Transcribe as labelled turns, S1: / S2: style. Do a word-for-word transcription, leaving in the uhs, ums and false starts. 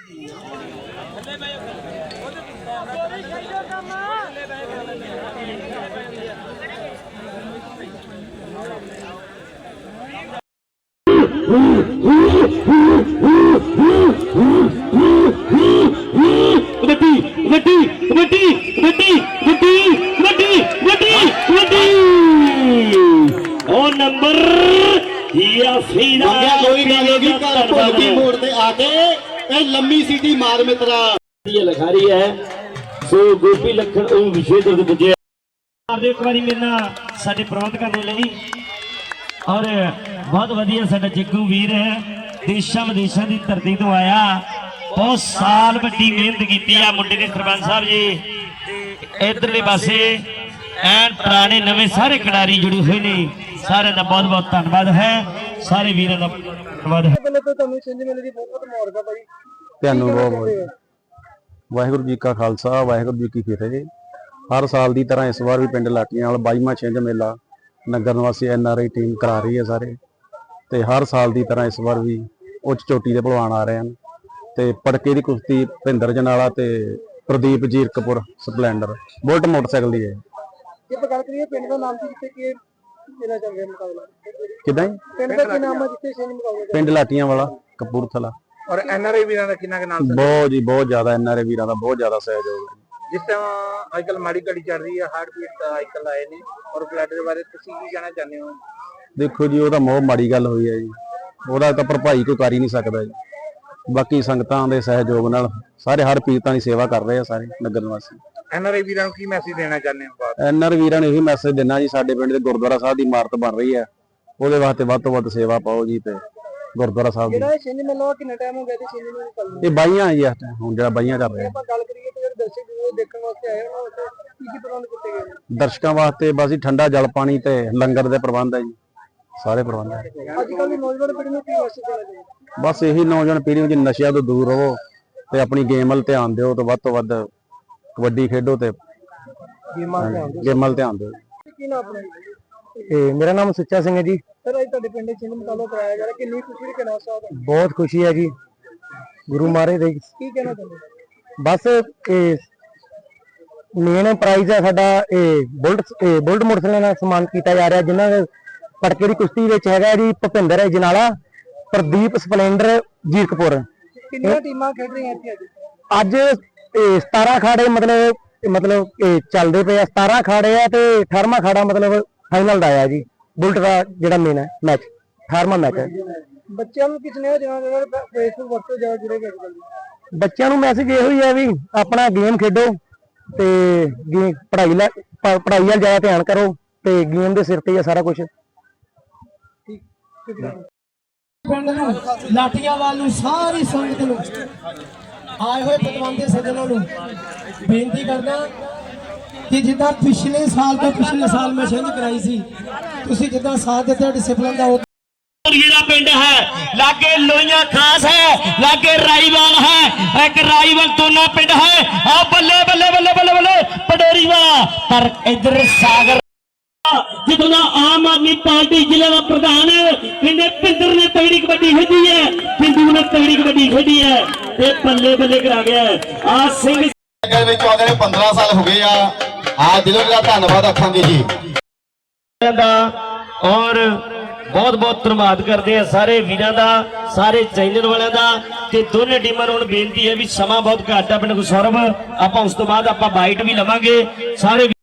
S1: लंबी सीटी मार मित्रा
S2: लिखारी है सो गोपी लखन विशेष पुजे एक बार मेरे ना साडे प्रबंध करने लगी और बहुत वधिया साडा जिग्गू वीर है देशा विदेशों की धरती तो आया बहुत साल वड्डी मेहनत की है मुंडे ने सरपंच साहब जी इधरले पासे एन पुराने नवे सारे खिडारी जुड़े हुए ने सारे का बहुत बहुत धन्यवाद है सारे वीरों का धन्यवाद है।
S3: वाहिगुरू जी का खालसा वाहिगुरू जी की फतेह। हर साल की तरह इस बार भी पिंड लाटियां बाईवां छिंज मेला नगर निवासी एन आर आई टीम करा रही है सारे ते हर साल की तरह इस बार भी उच्च चोटी के भलवान आ रहे हैं ते पड़के की कुश्ती भुपिंदर जनाला ते Pradeep Zirakpur splendor bullet motorcycle की है। किदा पिंड लाटियां वाला कपूरथला
S1: और एनआरआई वीरां दा किन्ना नाम
S3: बहुत जी बहुत ज्यादा एनआरआई वीरां दा बहुत ज्यादा सहयोग है।
S1: जिस टाइम आजकल माड़ी घड़ी चल रही है हार्ट बीट आजकल आए ने और फ्लड के बारे तुसीं की कहना चाहते हो?
S3: देखो जी ओदा बहुत माड़ी गल हुई है जी ओदा तां भरपाई कोई कर ही नहीं सकदा जी बाकी संगतां दे सहयोग नाल सारे हर पीरतां दी सेवा कर रहे हैं सारे नगर निवासी।
S1: एनआरआई वीरां नूं की मैसेज देना चाहते हो?
S3: एनआरआई वीरां नूं यही मैसेज देना जी साडे पिंड दे गुरुद्वारा साहब दी इमारत बन रही है ਉਹਦੇ ਵਾਸਤੇ ਵੱਧ ਤੋਂ ਵੱਧ ਸੇਵਾ ਪਾਓ ਜੀ ਤੇ ਗੁਰਦੁਆਰਾ ਸਾਹਿਬ
S1: ਜਿਹੜਾ ਛਿੰਝ ਮੇਲਾ ਕਿੰਨਾ ਟਾਈਮ ਹੋ ਗਿਆ ਤੇ ਛਿੰਝ ਨੂੰ ਨਿਕਲਣ
S3: ਇਹ ਬਾਈਆਂ ਜੀ ਇਸ ਟਾਈਮ ਹੁਣ ਜਿਹੜਾ ਬਾਈਆਂ ਕਰ ਰਹੇ
S1: ਆਪਾਂ ਗੱਲ ਕਰੀਏ ਤੇ ਜਿਹੜੇ ਦਰਸ਼ਕ ਉਹ ਦੇਖਣ ਵਾਸਤੇ ਆਏ ਉਹਨਾਂ ਵਾਸਤੇ ਕੀ ਕੀ ਪ੍ਰਬੰਧ ਕੀਤੇ ਗਏ ਨੇ?
S3: ਦਰਸ਼ਕਾਂ ਵਾਸਤੇ ਬਸ ਜੀ ਠੰਡਾ ਜਲ ਪਾਣੀ ਤੇ ਲੰਗਰ ਦੇ ਪ੍ਰਬੰਧ ਹੈ ਜੀ ਸਾਰੇ ਪ੍ਰਬੰਧ ਹੈ।
S1: ਅੱਜ ਕੱਲ੍ਹ ਦੀ ਨੌਜਵਾਨ ਪੀੜ੍ਹੀ ਨੂੰ ਕੀ ਮੈਸੇਜ ਦੇਣਾ ਚਾਹੀਦਾ?
S3: ਬਸ ਇਹੀ ਨੌਜਵਾਨ ਪੀੜ੍ਹੀ ਨੂੰ ਨਸ਼ਿਆਂ ਤੋਂ ਦੂਰ ਰਹੋ ਤੇ ਆਪਣੀ ਗੇਮ ਵੱਲ ਧਿਆਨ ਦਿਓ ਤੇ ਵੱਧ ਤੋਂ ਵੱਧ ਕਬੱਡੀ ਖੇਡੋ ਤੇ
S1: ਗੇਮਾਂ ਧਿਆਨ ਦਿਓ
S3: ਗੇਮਾਂ ਵੱਲ ਧਿਆਨ ਦਿਓ।
S1: ਕੀ ਨਾਮ ਆਪਣਾ?
S3: ਇਹ ਮੇਰਾ ਨਾਮ ਸੁੱਚਾ ਸਿੰਘ ਹੈ ਜੀ।
S1: ਸਰ ਅੱਜ ਤੁਹਾਡੇ ਪਿੰਡ ਛਿੰਝ ਮੁਕਾਬਲਾ ਕਰਾਇਆ ਜਾ ਰਿਹਾ ਕਿੰਨੀ ਖੁਸ਼ੀ ਦੀ ਕਹਿਣਾ ਸਾਹਿਬ?
S3: ਬਹੁਤ ਖੁਸ਼ੀ ਹੈ ਜੀ ਗੁਰੂ ਮਹਾਰਾਜ ਦੇ
S1: ਕੀ ਕਹਿਣਾ ਚਾਹੁੰਦੇ?
S3: ਬਸ ਇਹ ਮੇਨ ਪ੍ਰਾਈਜ਼ ਹੈ ਸਾਡਾ ਇਹ ਬੁਲਟ ਬੁਲਟ ਮੋਟਰਸਾਈਕਲ ਨਾਲ ਸਨਮਾਨ ਕੀਤਾ ਜਾ ਰਿਹਾ ਜਿਨ੍ਹਾਂ ਦੇ ਪਟਕੇ ਦੀ ਕੁਸ਼ਤੀ ਵਿੱਚ ਹੈਗਾ ਜੀ ਭੁਪਿੰਦਰ ਜਨਾਲਾ ਪ੍ਰਦੀਪ ਸਪਲੈਂਡਰ ਜੀਰਕਪੁਰ।
S1: ਕਿੰਨੀਆਂ ਟੀਮਾਂ ਖੇਡ ਰਹੀਆਂ ਇੱਥੇ
S3: ਅੱਜ ਇਹ ਸਤਾਰਾਂ ਅਖਾੜੇ ਮਤਲਬ ਮਤਲਬ ਇਹ ਚੱਲਦੇ ਪਏ ਆ ਸਤਾਰਾਂ ਅਖਾੜੇ ਆ ਤੇ ਅਠਾਰਵਾਂ ਅਖਾੜਾ ਮਤਲਬ ਫਾਈਨਲ ਦਾ ਆਇਆ ਜੀ ਬੁਲਟ ਦਾ ਜਿਹੜਾ ਮੇਨ ਹੈ ਮੈਚ ਅਠਾਰਵਾਂ ਮੈਚ ਹੈ।
S1: ਬੱਚਿਆਂ ਨੂੰ ਕਿਸਨੇ ਜਿਹੜਾ ਫੇਸਬੁੱਕ ਵਰਤੋਂ ਜ਼ਿਆਦਾ ਜੁੜੇਗਾ ਅੱਜ ਕੱਲ੍ਹ?
S3: ਬੱਚਿਆਂ ਨੂੰ ਮੈਸੇਜ ਇਹੋ ਹੀ ਹੈ ਵੀ ਆਪਣਾ ਗੇਮ ਖੇਡੋ ਤੇ ਪੜ੍ਹਾਈ ਲੈ ਪੜ੍ਹਾਈ ਵੱਲ ਜ਼ਿਆਦਾ ਧਿਆਨ ਕਰੋ ਤੇ ਗੇਮ ਦੇ ਸਿਰ ਤੇ ਹੀ ਆ ਸਾਰਾ ਕੁਝ।
S4: ਪਿੰਡ ਨੂੰ ਲਾਟੀਆਂਵਾਲ ਨੂੰ ਸਾਰੀ ਸੰਗਤ ਨੂੰ ਆਏ ਹੋਏ ਪਤਵੰਤੇ ਸੱਜਣਾਂ ਨੂੰ ਬੇਨਤੀ ਕਰਦਾ कि जिदा पिछले साल तो पिछले साल में छिंज कराई सी तुसी जिदा साथ देते डिसिपलिन दा
S2: पिंड है लागे लोइयां खास है लागे राईवाल है एक राईवाल दोना पिंड है आ बल्ले बल्ले बल्ले बल्ले बल्ले पडोरी वाला पर इधर सागर जितना आम आदमी पार्टी जिले का प्रधान इन्हें पिंदर ने तगड़ी कबड्डी खेडी है पिंडू ने तगड़ी कबड्डी खेडी है ते बल्ले बल्ले करा गया आ सिंह
S1: पंद्रह साल हो गए आ दिलों का धन्यवाद रखांगे जी
S2: और बहुत बहुत धन्यवाद करते हैं सारे वीरों का सारे चैनल वालों का ते दोनों टीमों को बेनती है भी समा बहुत घट है। पिंड सौरभ आप उस तो बाद आप बाइट भी लवांगे सारे।